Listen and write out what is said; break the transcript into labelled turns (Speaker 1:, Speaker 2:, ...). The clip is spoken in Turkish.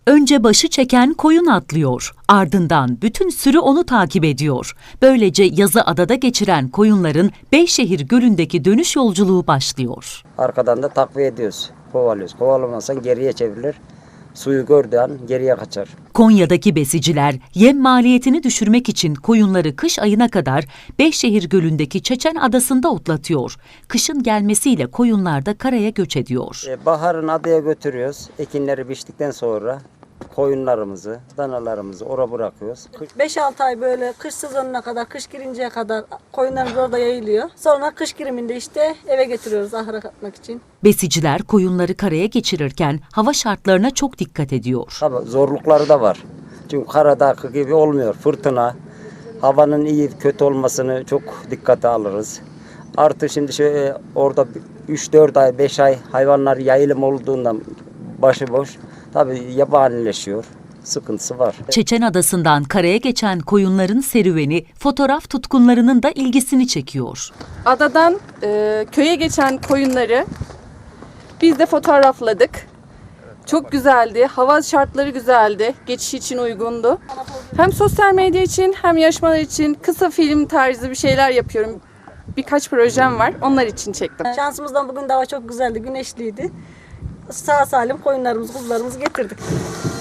Speaker 1: Önce başı çeken koyun atlıyor, ardından bütün sürü onu takip ediyor. Böylece yazı adada geçiren koyunların Beyşehir Gölü'ndeki dönüş yolculuğu başlıyor.
Speaker 2: Arkadan da takviye ediyoruz, kovalıyoruz. Kovalamazsan geriye çevrilir, suyu gördüğü an geriye kaçar.
Speaker 1: Konya'daki besiciler yem maliyetini düşürmek için koyunları kış ayına kadar Beyşehir Gölü'ndeki Çeçen Adası'nda otlatıyor. Kışın gelmesiyle koyunlar da karaya göç ediyor.
Speaker 2: Baharın adaya götürüyoruz. Ekinleri biçtikten sonra koyunlarımızı, danalarımızı oraya bırakıyoruz.
Speaker 3: 5-6 ay böyle kış sezonuna kadar, kış girinceye kadar koyunlarımız orada yayılıyor. Sonra kış giriminde işte eve getiriyoruz ahıra katmak için.
Speaker 1: Besiciler koyunları karaya geçirirken hava şartlarına çok dikkat ediyor.
Speaker 2: Tabii zorlukları da var. Çünkü karadaki gibi olmuyor. Fırtına, havanın iyi kötü olmasını çok dikkate alırız. Artı şimdi şöyle orada 3-4 ay, 5 ay hayvanlar yayılım olduğundan başıboş. Tabii yabanileşiyor. Sıkıntısı var.
Speaker 1: Çeçen Adası'ndan karaya geçen koyunların serüveni fotoğraf tutkunlarının da ilgisini çekiyor.
Speaker 4: Adadan köye geçen koyunları biz de fotoğrafladık. Çok güzeldi. Hava şartları güzeldi. Geçiş için uygundu. Hem sosyal medya için hem yarışmalar için kısa film tarzı bir şeyler yapıyorum. Birkaç projem var. Onlar için çektim.
Speaker 3: Şansımızdan bugün de hava çok güzeldi, güneşliydi. Sağ salim koyunlarımızı, kuzularımızı getirdik.